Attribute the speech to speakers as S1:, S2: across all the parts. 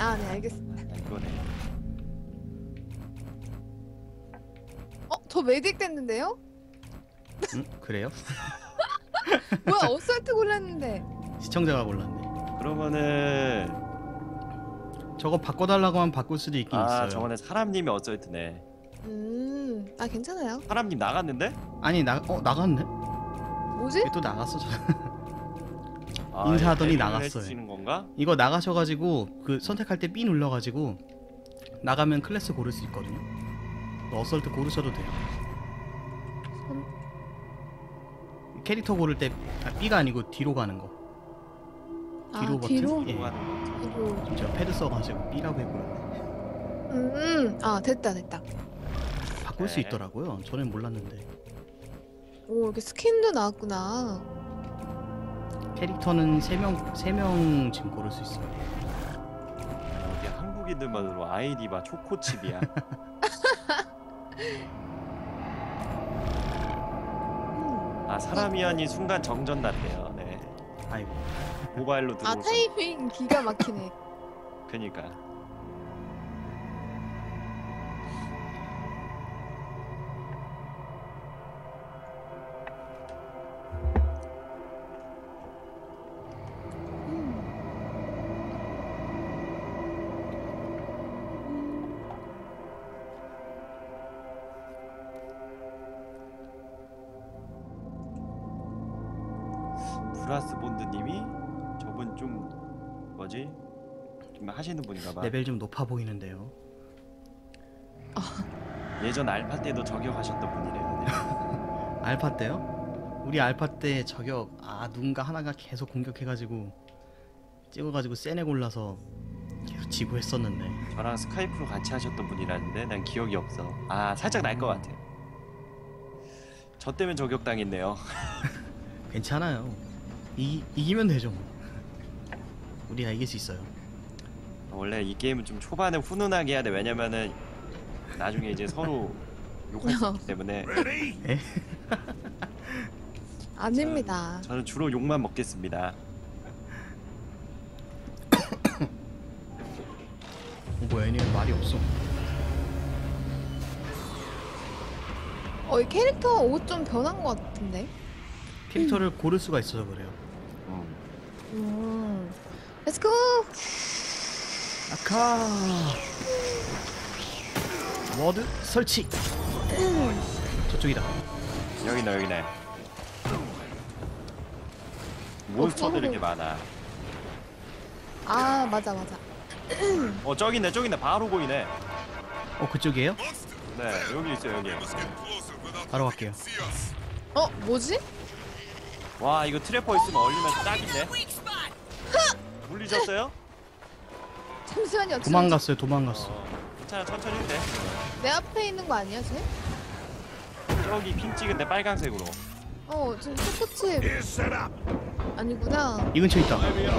S1: 아, 네, 알겠습니다.
S2: 이거네.
S1: 저 메딕 됐는데요?
S3: 그래요?
S1: 뭐야, 어설트 골랐는데.
S3: 시청자가 골랐네.
S2: 그러면은
S3: 저거 바꿔달라고 하면 바꿀 수도 있긴 있어요.
S2: 저번에 사람님이 어쩔트네.
S1: 아, 괜찮아요.
S2: 사람님 나갔는데?
S3: 아니 나갔네?
S1: 뭐지?
S3: 왜 또 나갔어? 인사하더니 나갔어요.
S2: 해주시는 건가?
S3: 이거 나가셔가지고 그 선택할 때 B 눌러가지고 나가면 클래스 고를 수 있거든요. 어설트 고르셔도 돼요. 캐릭터 고를 때 B가 아니고 뒤로 가는 거. 뒤로 버튼?
S1: 뒤로?
S3: 예.
S2: 뭐 하는 거지?
S1: 뒤로.
S3: 지금 제가 패드 써가지고 B라고 해버렸네.
S1: 아, 됐다.
S3: 바꿀 수
S2: 네.
S3: 있더라고요. 저는 몰랐는데.
S1: 오, 이렇게 스킨도 나왔구나.
S3: 캐릭터는 3명 지금 고를 수 있어요.
S2: 여기 한국인들만으로 아이디 봐 초코칩이야. 사람이 아닌 순간 정전 났대요. 네.
S3: 아이고.
S2: 모바일로 들어오서.
S1: 타이밍 기가 막히네.
S2: 그니까. 브라스 본드님이 저분 좀 뭐지? 좀 하시는 분인가봐.
S3: 레벨 좀 높아 보이는데요.
S2: 예전 알파 때도 저격하셨던 분이래요. 네.
S3: 알파 때요? 우리 알파 때 저격 누군가 하나가 계속 공격해가지고 찍어가지고 세네 골라서 계속 지고 했었는데.
S2: 저랑 스카이프로 같이 하셨던 분이라는데 난 기억이 없어. 살짝 날 것 같아. 저 때문에 저격당했네요.
S3: 괜찮아요. 이기면 되죠 뭐. 우리가 이길 수 있어요.
S2: 원래 이 게임은 좀 초반에 훈훈하게 해야 돼. 왜냐면은 나중에 이제 서로 욕할 수 있기 때문에.
S1: 아닙니다.
S2: 저는 주로 욕만 먹겠습니다.
S3: 뭐야 얘는 말이 없어.
S1: 이 캐릭터 옷 좀 변한 것 같은데?
S3: 캐릭터를 고를 수가 있어서 그래요.
S1: 렛츠고!
S3: 아카 워드 설치. 저쪽이다.
S2: 여기네. 몬스터들이 이렇게 많아.
S1: 맞아.
S2: 저기네. 바로 보이네.
S3: 그쪽이에요?
S2: 네, 여기 있어요, 여기.
S3: 바로 갈게요.
S1: 뭐지?
S2: 와, 이거 트래퍼 있으면 얼리면 딱인데. 물리셨어요?
S1: 잠시만요.
S3: 도망갔어.
S2: 괜찮아, 천천히 해도 돼.
S1: 내 앞에 있는 거 아니야, 쟤?
S2: 저기 핑 찍은데 빨강색으로.
S1: 지금 초코칩 아니구나.
S3: 이 근처에 있다.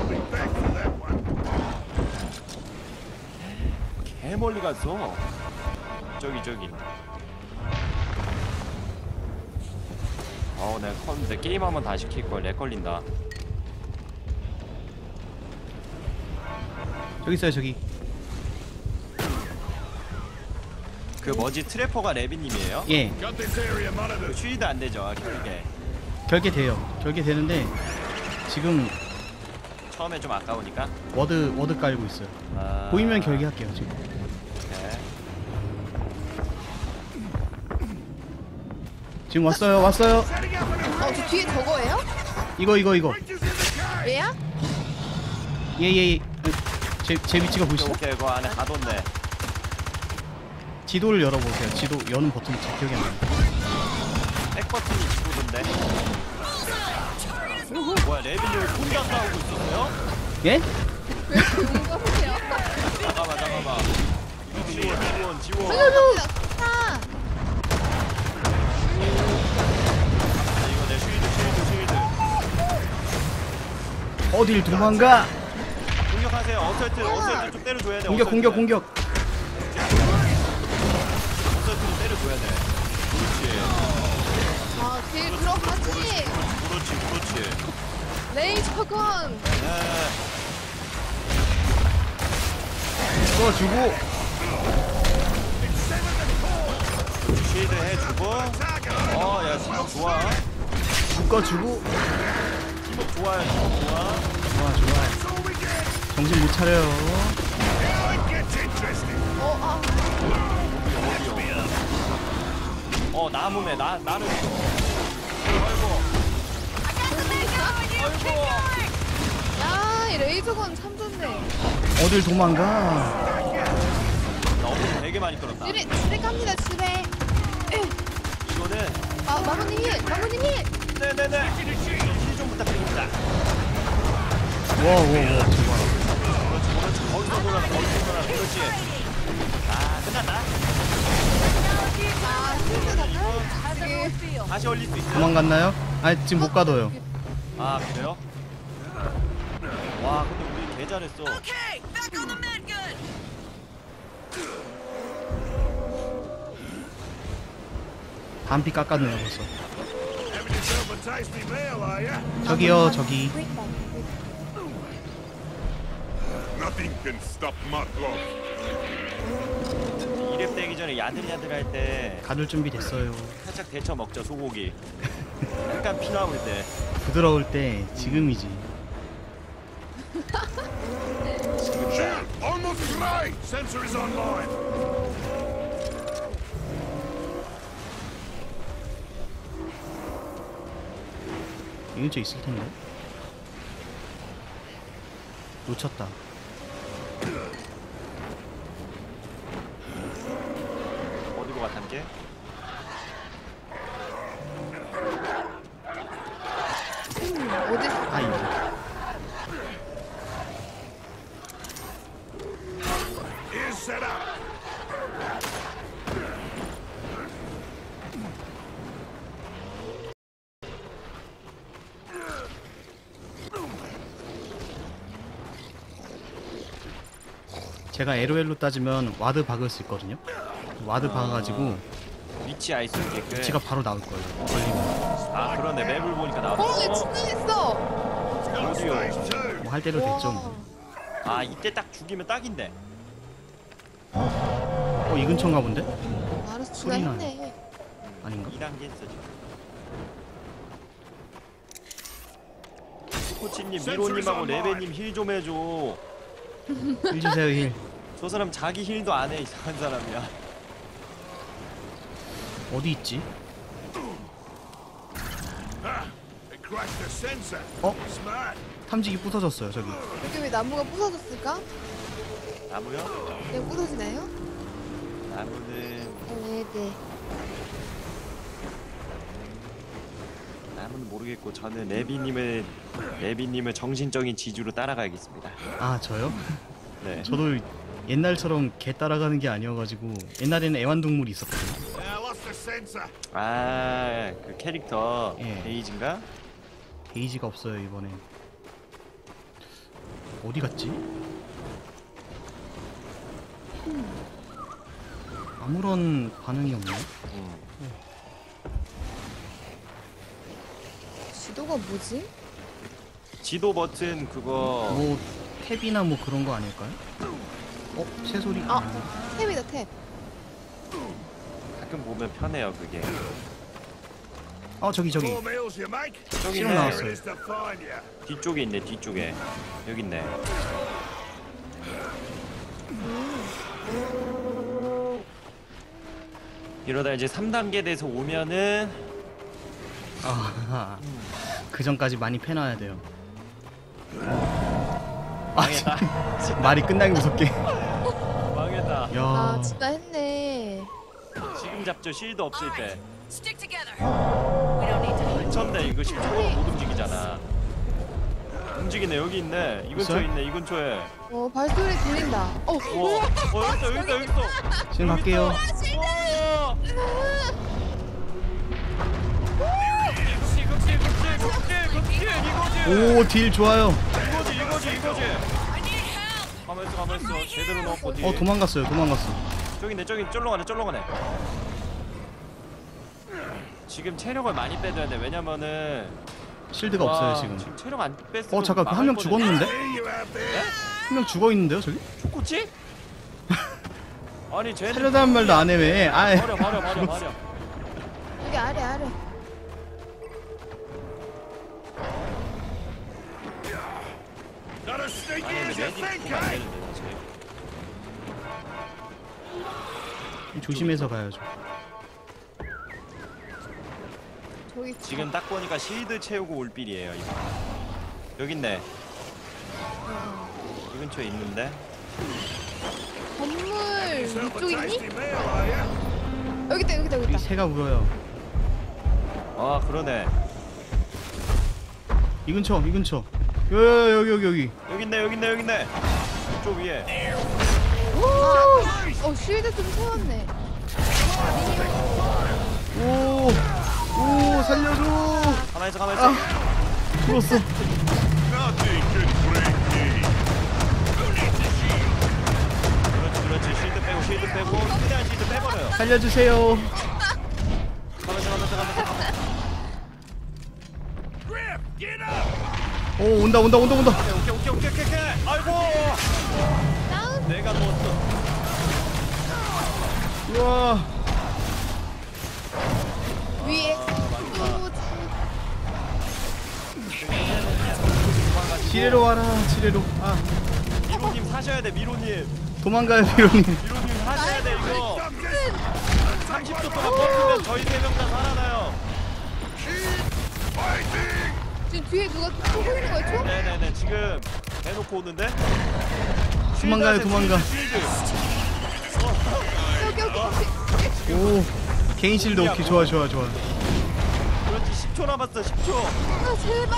S2: 개 멀리 갔어. 저기. 내가 게임 한번 다시 킬걸. 렉 걸린다.
S3: 저기 있어요 저기.
S2: 그 뭐지 트래퍼가 레비님이에요?
S3: 예.
S2: 그 슈이드 안 되죠, 결계.
S3: 결계 되는데 지금
S2: 처음에 좀 아까우니까.
S3: 워드 깔고 있어요. 보이면 결계할게요 지금.
S2: 네.
S3: 지금 왔어요.
S1: 저 뒤에 저거예요?
S3: 이거.
S1: 얘야?
S3: 예. 제 위치가 보이시죠?
S2: 오케이, 그 안에 가뒀네.
S3: 지도를 열어보세요. 지도 여는 버튼이 잘 기억이 안 나요.
S2: 백 버튼이 지도던데. 뭐야, 레비님 혼자 싸우고 있었어요?
S3: 예?
S1: 왜 이렇게 용감해요?
S2: 잠깐만. 지원.
S1: 아!
S2: 이거 내 쉴드.
S3: 어딜 도망가?
S2: 공격하세요. 어설트 좀 때려줘야 돼.
S3: 공격.
S2: 어설트를 때려줘야 돼.
S1: 길 들어가지!
S2: 그렇지.
S1: 레이저건!
S3: 쏘주고
S2: 쉴드 해주고. 야 팀워크 좋아.
S3: 묶어주고.
S2: 팀워크 좋아요. 팀워크 좋아.
S3: 좋아. 정신 못 차려요.
S2: 나무네. 나를 줘. 아이고.
S1: 야, 이 레이저건 참 좋네.
S3: 어딜 도망가.
S2: 나 어묵 되게 많이 끌었다.
S1: 집에 갑니다, 집에.
S2: 이거는
S1: 마모님 힐! 마모님 힐!
S2: 네네네. 힐좀 부탁드립니다.
S3: 와 저거.
S2: 그렇지. 거기서 돌아가. 그렇지. 끝났다.
S1: 힐드 다
S2: 다시 올릴 수 있어요.
S3: 도망갔나요? 아니 지금 못 가둬요.
S2: 그래요? 와 근데 우리 개 잘했어.
S3: 반피 깎았네요 벌써. 저기요 저기.
S4: Nothing can stop my blood.
S2: 2렙 되기 전에 야들야들 할 때
S3: 가둘 준비 됐어요.
S2: 살짝 데쳐 먹자 소고기. 약간 피 나올 때.
S3: 부드러울 때 지금이지.
S4: Shield, almost right. Sensor is online.
S3: 이 근처에 있을 텐데. 놓쳤다.
S2: 어디로 가 탐게?
S1: 어디?
S3: 이거.
S4: Is set up.
S3: 제가 LOL로 따지면 와드 박을 수 있거든요. 와드 박아가지고
S2: 위치 알 수 있게끔.
S3: 위치가 바로 나올 거예요. 걸리면.
S2: 그러네. 맵을 보니까
S1: 거기
S2: 나왔어.
S1: 충전했어!
S2: 어디요?
S4: Stage 2.
S3: 뭐 할 대로 됐죠. 뭐.
S2: 이때 딱 죽이면 딱인데.
S3: 이 근처인가 본데?
S1: 알았어,
S3: 소리 나요.
S1: 충전했네.
S3: 아닌가?
S2: 2단계 했어 지금. 코치님, 미로님하고 레베님 힐 좀 해줘.
S3: 힐 주세요 힐.
S2: 저 사람 자기 힐도 안 해. 이상한 사람이야.
S3: 어디 있지?
S4: They crashed the sensor.
S3: 어?
S4: Smart.
S3: 탐지기 부서졌어요 저기.
S1: 여기 왜 나무가 부서졌을까?
S2: 나무요?
S1: 그냥 부서지나요?
S2: 나무는
S1: 네.
S2: 나무는 모르겠고 저는 레비님을 정신적인 지주로 따라가야겠습니다.
S3: 저요?
S2: 네.
S3: 저도 옛날처럼 개 따라가는 게 아니어가지고 옛날에는 애완동물이 있었거든요.
S4: I lost the sensor.
S2: 그 캐릭터
S3: 예.
S2: 베이지인가?
S3: 게이지가 없어요 이번에. 어디 갔지? 아무런 반응이 없네.
S1: 지도가 뭐지?
S2: 지도 버튼 그거
S3: 뭐 탭이나 뭐 그런 거 아닐까요? 새소리?
S1: 탭이다, 탭.
S2: 가끔 보면 편해요 그게.
S3: 저기
S4: Four meals, you make.
S2: 저기
S3: 실험
S2: 있네.
S3: 나왔어요.
S4: Where is to find you?
S2: 뒤쪽에 있네 뒤쪽에. 여기 있네. 이러다 이제 3단계 돼서 오면은
S3: 그 전까지 많이 패놔야 돼요.
S2: 망했다.
S3: 말이 끝나기 무섭게.
S2: 망했다.
S3: 야,
S1: 진짜 했네.
S2: 지금 잡죠 실드 없을 때.
S5: Stick together. We don't need to.
S2: 미쳤네 이거 10초로 못 움직이잖아. 움직이네 여기 있네. 이 근처에
S3: 있어요?
S2: 있네 이 근처에.
S1: 발소리 들린다.
S2: 여기 있어.
S3: 지금 갈게요. 오, 딜 좋아요.
S2: 이거지. 가만 있어. 제대로 넣었고 뒤에.
S3: 도망갔어요.
S2: 저기 쫄러 가네. 지금 체력을 많이 빼줘야 돼. 왜냐면은
S3: 실드가 없어요 지금.
S2: 체력 안 뺐으면
S3: 잠깐 한 명 죽었는데?
S4: See you out there.
S3: 한 명 죽어 있는데요 저기?
S2: 죽었지? 아니 쟤는
S3: 살려다는 말도 안 해 왜? 아,
S2: 버려.
S1: 여기 아래.
S4: Not as sneaky
S2: 아니
S4: as you
S2: 메딕
S4: think,
S2: 보면 안
S4: eh?
S2: 되는데 사실.
S3: 조심해서 가야죠.
S1: 저기
S2: 지금 딱 보니까 실드 채우고 올 빌이에요 이거. 여기 있네. 이 근처에 있는데.
S1: 건물
S4: Yourself a
S1: 위쪽에 있니?
S4: tasty meal, are you?
S1: 여기 있다.
S3: 여기 새가 울어요.
S2: 아 그러네.
S3: 이 근처. 여기.
S2: 여기 있네. 이쪽 위에.
S1: 쉴드 좀 세웠네.
S3: 오, 살려줘.
S2: 가만히 있어.
S3: 죽었어.
S4: Nothing can break me. Who needs a shield?
S2: 그렇지. 실드 빼고 최대한 실드 빼버려요.
S3: 살려주세요.
S2: 가만히.
S4: Grip, get up!
S3: 오, 온다.
S2: 오케이. 아이고.
S1: 다운.
S2: 내가 누웠어.
S3: 우와.
S1: 위에.
S3: 지뢰로 와라. 아,
S2: 미로님 사셔야 돼. 미로님
S3: 도망가요, 비로님.
S2: 사셔야 돼 이거. 30초 동안 버티면 저희 3명 다 살아나요.
S4: Fighting!
S1: 지금 뒤에 누가 쏘고 있는 거야? 총?
S2: 네네네 지금 대놓고 오는데.
S3: 도망가.
S2: 실드.
S1: 여기.
S3: 오, 개인 실드 오케이. 좋아.
S2: 그렇지 10초 남았어 10초.
S1: 아 제발.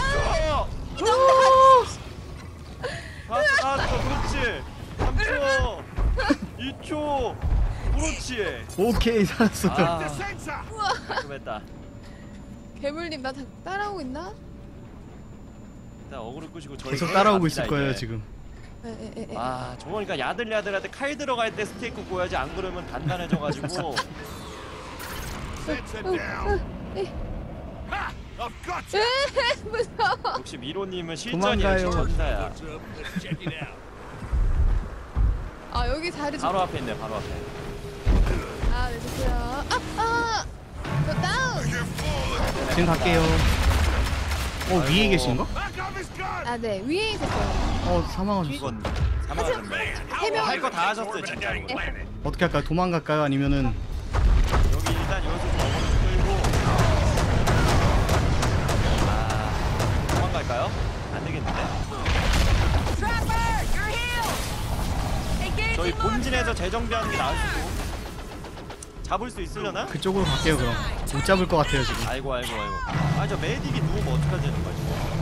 S2: 다 그렇지 3초 2초 그렇지.
S3: 오케이, 살았어요.
S2: 아
S4: Sensor!
S2: 깔끔했다.
S1: 괴물님 나 따라오고 있나?
S2: 일단 어그로 끄시고 저희
S3: 계속
S2: 해야
S3: 따라오고
S2: 합니다,
S3: 있을 거예요,
S2: 이제.
S3: 지금.
S1: 에.
S2: 아 저거니까 야들야들한테 칼 들어갈 때 스테이크 구워야지 안 그러면 단단해져가지고.
S4: Sensor down! Ha! I've got you!
S1: 무서워.
S2: 역시 미로님은 실전이
S3: 도망가요.
S2: 역시 전사야.
S4: What's up? Let's check it out.
S1: 아 여기 자리 좀.
S2: 바로 앞에 있네 바로 앞에.
S1: 네 좋고요. 저 다운.
S3: 지금 갈게요. 위에 계신가?
S4: Back off his gun!
S1: 네 위에 있었어요.
S3: 사망하셨어.
S2: 이건 사망하셨네.
S1: 해명.
S2: 할 거 다 하셨어요 진짜로.
S3: 어떻게 할까요? 도망갈까요? 아니면은
S2: 여기 일단 여기서 좀 어그로 좀 끌고. 도망갈까요? 안 되겠는데?
S5: Trapper, you're healed. Engage
S2: 저희
S5: in
S2: 본진에서 재정비하는 게 나을 수도. 잡을 수 있으려나?
S3: 그쪽으로 갈게요. 그럼 못 잡을 것 같아요 지금.
S2: 아이고. 저 메딕이 누우면 어떡하자는 거지?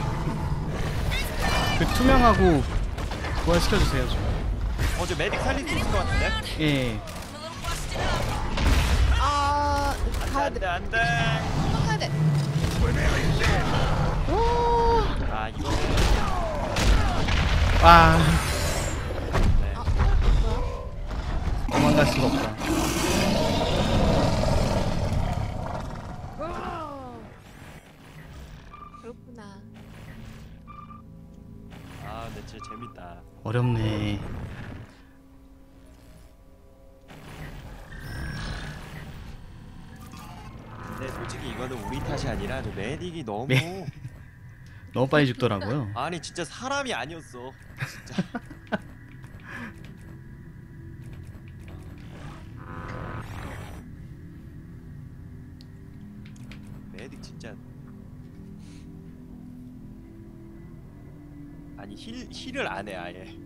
S3: 그 투명하고 부활시켜주세요 지금.
S2: 저 메딕 살릴 수 있을 것 같은데?
S3: 예.
S1: 가야 돼.
S2: 안돼.
S1: 가야 돼.
S2: 아 이거.
S3: 와,
S2: 네.
S3: 도망갈 수가 없다.
S1: 그렇구나.
S2: 근데 진짜 재밌다.
S3: 어렵네.
S2: 근데 솔직히 이거는 우리 탓이 아니라 저 메딕이 너무
S3: 너무 빨리 죽더라고요.
S2: 아니 진짜 사람이 아니었어. 진짜. 메딕 진짜 아니 힐을 안 해 아예.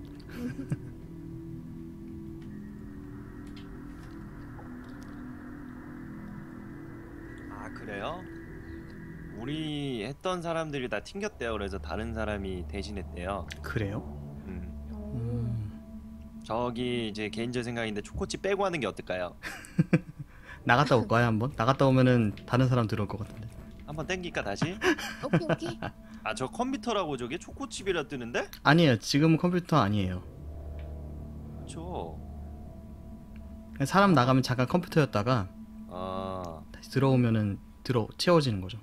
S2: 아 그래요? 우리 했던 사람들이 다 튕겼대요. 그래서 다른 사람이 대신했대요.
S3: 그래요?
S2: 저기 이제 개인적 생각인데 초코칩 빼고 하는 게 어떨까요?
S3: 나갔다 올까요 한번? 나갔다 오면은 다른 사람 들어올 것 같은데.
S2: 한번 땡길까 다시?
S1: 오케이.
S2: 아 저 컴퓨터라고 저게 초코칩이라 뜨는데?
S3: 아니에요. 지금 컴퓨터 아니에요.
S2: 그쵸.
S3: 사람 나가면 잠깐 컴퓨터였다가
S2: 아
S3: 다시 들어오면은 채워지는 거죠.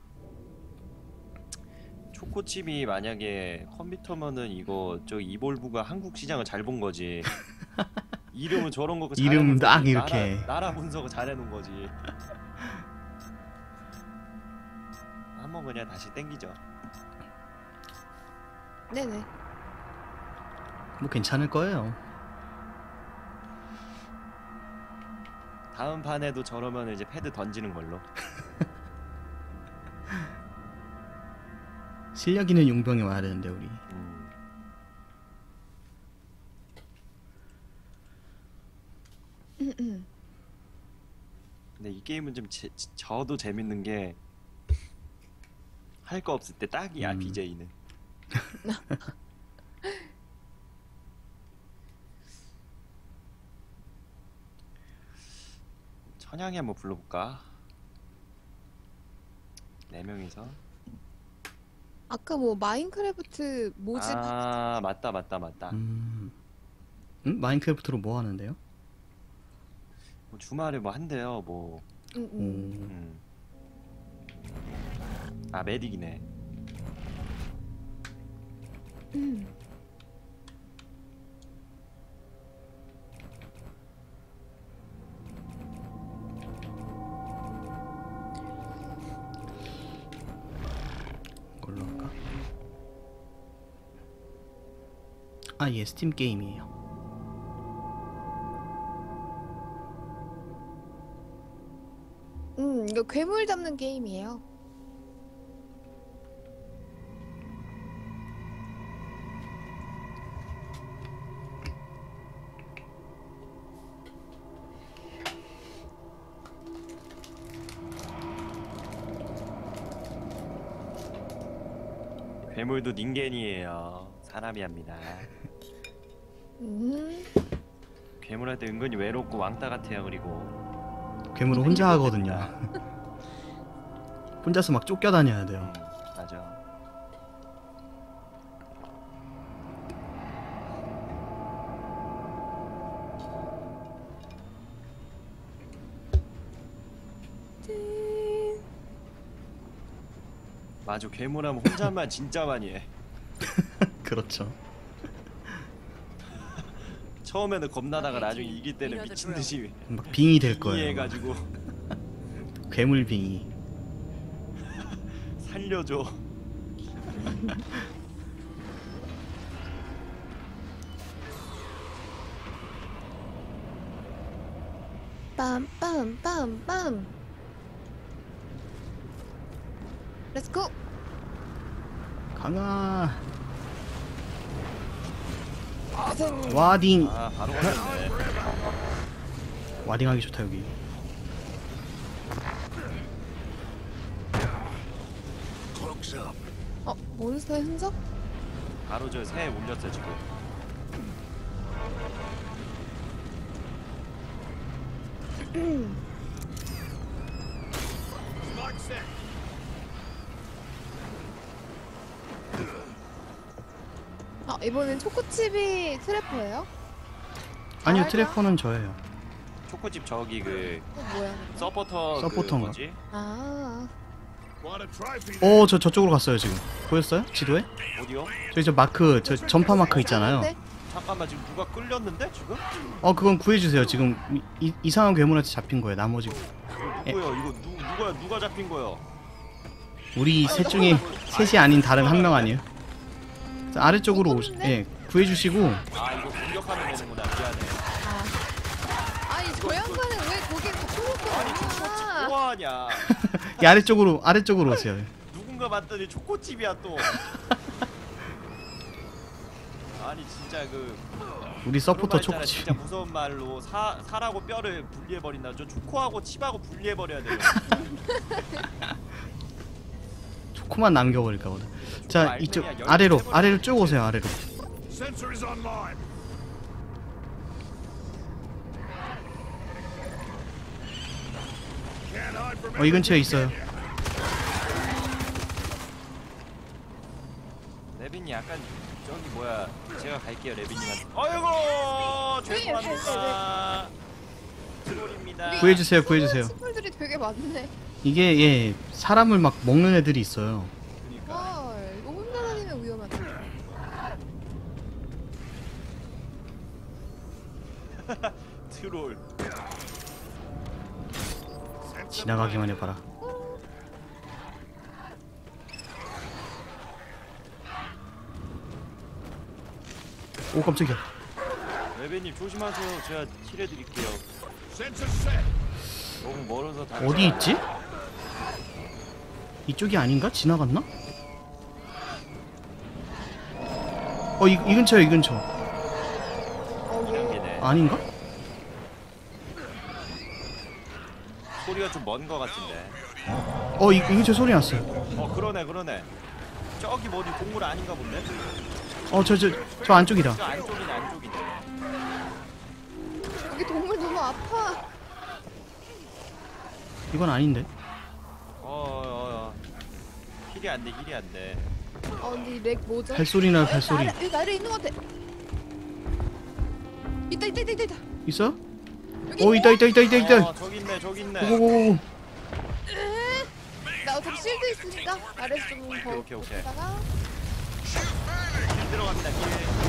S2: 초코칩이 만약에 컴퓨터면은 이거 저 이볼브가 한국 시장을 잘 본 거지. 이름은 저런 거
S3: 이름 딱 이렇게.
S2: 나라 분석 잘해놓은 거지. 한번 그냥 다시 땡기죠.
S1: 네네.
S3: 뭐 괜찮을 거예요.
S2: 다음 판에도 저러면 이제 패드 던지는 걸로.
S3: 실력 있는 용병이 와야 되는데 우리.
S2: 근데 이 게임은 좀 저도 재밌는 게 할 거 없을 때 딱이야. BJ는. 천양이 한번 불러볼까? 4명이서.
S1: 아까 뭐 마인크래프트 모집
S2: 아 맞다.
S3: 마인크래프트로 뭐 하는데요?
S2: 뭐 주말에 뭐 한대요. 뭐. 아 메딕이네.
S3: 이걸로 할까? 아, 예, 스팀 게임이에요.
S1: 이거 괴물 잡는 게임이에요.
S2: 괴물도 닌겐이에요. 사람이 합니다. 괴물한테 은근히 외롭고 왕따 같아요. 그리고
S3: 괴물은 혼자 하거든요. 혼자서 막 쫓겨다녀야 돼요.
S2: 맞아. 맞아. 괴물하면 혼자만 진짜 많이 해.
S3: 그렇죠.
S2: 처음에는 겁나다가 나중에 이길 때는 미친 듯이
S3: 막 빙이 될 거예요.
S2: 해가지고
S3: 괴물 빙이.
S2: 살려줘.
S1: 빰빰빰빰. 렛츠고.
S3: 강아. 와딩.
S2: 아 바로 걸렸네.
S3: 와딩하기 좋다 여기.
S4: Cloaks up.
S1: 몬스터의 흔적?
S2: 바로 저 새 울렸어 지금.
S4: Smart set.
S1: 이번엔 초코칩이 트래퍼예요?
S3: 아니요,
S1: 알죠?
S3: 트래퍼는 저예요.
S2: 초코집 저기 그
S1: 뭐야?
S2: 서포터 그
S3: 서포터인가?
S2: 뭐지?
S1: 아,
S4: Want a trophy?
S3: 오, 저 저쪽으로 갔어요 지금. 보였어요? 지도에?
S2: 어디요?
S3: 저기 저 마크, 저 전파 마크 있잖아요.
S1: 네?
S2: 잠깐만 지금 누가 끌렸는데 지금?
S3: 그건 구해주세요. 지금 이상한 괴물한테 잡힌 거예요. 나머지
S2: 누구요? 이거 누가 잡힌 거요?
S3: 우리 셋 중에 셋이 아닌 다른 한 명 아니에요? 자, 아래쪽으로
S1: 떴는데?
S3: 예, 구해주시고.
S2: 아 이거 공격하면 되는구나. 미안해.
S1: 아니 저 양반은 왜 거기에 초코칩
S2: 아니 초코칩 뭐하냐?
S3: 이 아래쪽으로 오세요.
S2: 누군가 봤더니 초코칩이야 또. 아니 진짜 그
S3: 우리 서포터
S2: 그런 말 있잖아,
S3: 초코칩.
S2: 진짜 무서운 말로 살하고 뼈를 분리해 버린다. 저 초코하고 칩하고 분리해 버려야 돼요.
S3: 초코만 남겨버릴까 보다. 자,
S2: 알맹이야,
S3: 이쪽
S2: 열매
S3: 아래로
S2: 해버려.
S3: 쭉 오세요. 아래로.
S4: Sensor is online. Can't hide from
S3: 이 근처에 있어요.
S2: 레빈이 약간 저기 뭐야? 제가 갈게요 레빈님한테. 아이고 죄송합니다. 트롤입니다.
S3: 구해주세요.
S1: 친구들이 되게 많네.
S3: 이게 예, 사람을 막 먹는 애들이 있어요.
S2: 그러니까.
S1: 이거 혼자 다니면 위험하다.
S2: 트롤.
S3: 지나가기만 해봐라. 오 깜짝이야.
S2: 레베님 조심하세요. 제가 힐해드릴게요.
S4: Sensor set.
S2: 너무 멀어서 다.
S3: 어디 있지? 이쪽이 아닌가? 지나갔나? 이 근처야 이 근처.
S2: 이단계네.
S3: 아닌가?
S2: 소리가 좀 먼 거 같은데.
S3: 이 근처 소리 났어요.
S2: 그러네. 저기 뭐 어디 동물 아닌가 본데?
S3: 저 안쪽이다.
S2: 저 안쪽이네.
S1: 여기 동물 너무 아파.
S3: 이건 아닌데.
S2: 힐이 안 돼.
S1: 근데 렉 뭐죠?
S3: 발소리 나요 발소리.
S1: 여기 나를 있는 것 같아. 있다.
S3: 있어?
S1: 여기
S3: 있다.
S2: 저기 있네.
S3: 고고고고.
S1: 나 어차피 실드 있으니까 아래서 좀더
S2: 오케이.
S1: 다가
S2: 힐 들어갑니다. 힐.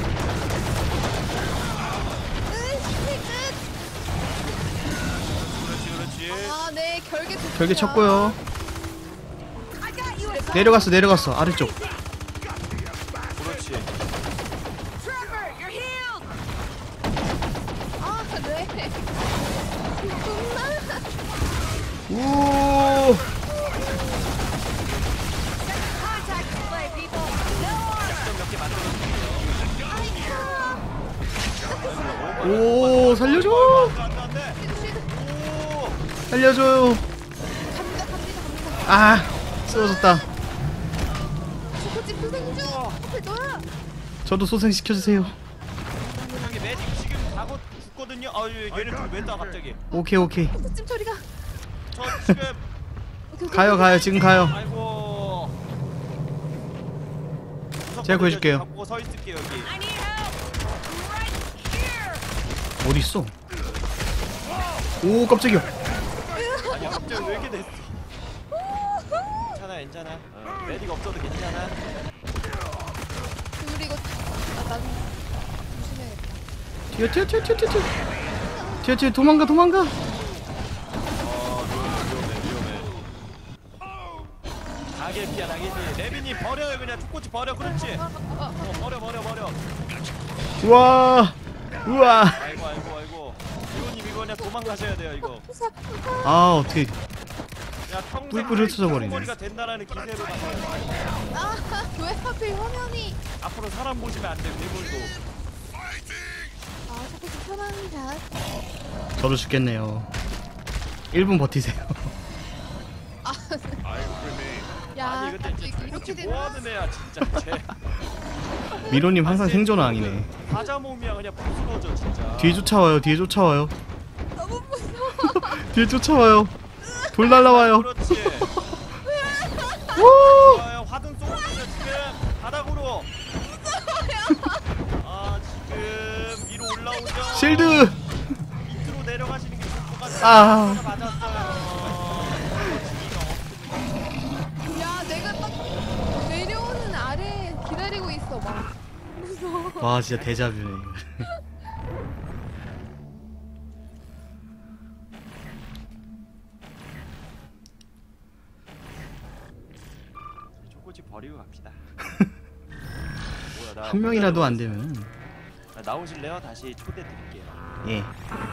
S2: 그렇지.
S1: 네, 결계 좋습니다.
S3: 결계 쳤고요. 내려갔어 아래쪽.
S2: 그렇지.
S5: Trevor, you're healed.
S1: 네.
S3: 우.
S5: Contact display, people. No armor.
S2: 몇개 만들어줄게요.
S3: 오 살려줘.
S2: 안돼.
S3: 살려줘요.
S1: 갑니다.
S3: 아 쓰러졌다.
S1: 초코집 소생주. 하필 너야.
S3: 저도 소생시켜주세요.
S2: 여기 매직 지금 가고 죽거든요. 얘를 왜 따 갑자기?
S3: 오케이
S1: 초코집 처리가.
S2: 저 지금
S3: 가요 지금 가요.
S2: 아이고.
S3: 제가 구해줄게요.
S2: 갖고 서 있을게요 여기.
S5: I need help. Right here.
S3: 어디 있어? 오 깜짝이야.
S2: 아니 갑자기 왜 이렇게 됐어? 괜찮아. 매직 없어도 괜찮아.
S1: 우리 이거 난 조심해야겠다.
S3: 뛰어 도망가.
S2: 위험해. 나게피야. 레빈이 버려요 그냥 축구치 버려. 그렇지. 버려.
S3: 우와.
S2: 아이고. 이거님 이거 그냥 도망가셔야 돼요 이거.
S3: 아 어떻게
S2: 야 평생
S3: 뿔뿔이 흩어져 버리네.
S2: 머리가 된다라는 기세로 가세요.
S1: 왜 하필 화면이.
S2: 앞으로 사람 보시면 안 돼. 괴물도.
S1: 초코집 편합니다.
S3: 저도 죽겠네요. 1분 버티세요.
S1: 야,
S2: 아니 근데
S1: 이렇게
S2: 이렇게
S1: 되나?
S2: 뭐하는 애야 진짜. 쟤
S3: 미로님 항상 생존왕이네.
S2: 과자 몸이야 그냥 부스러져 진짜.
S3: 뒤에 쫓아와요.
S1: 너무 무서워.
S3: 뒤에 쫓아와요. 돌 날라와요.
S2: 그렇지.
S3: 우!
S2: 화등 쏘고 있어 지금 바닥으로. 지금 위로 올라오죠.
S3: 실드.
S2: 밑으로 내려가시는 게 좋을 것 같아요.
S3: 아.
S2: 맞았어요.
S1: 야, 내가 딱 내려오는 아래 기다리고 있어 막. 무서워.
S3: 와 진짜 데자뷰네.
S2: 초코치 버리고 갑시다. 뭐야,
S3: 한 명이라도 안 되면
S2: 나오실래요? 다시 초대 드릴게요.
S3: 예.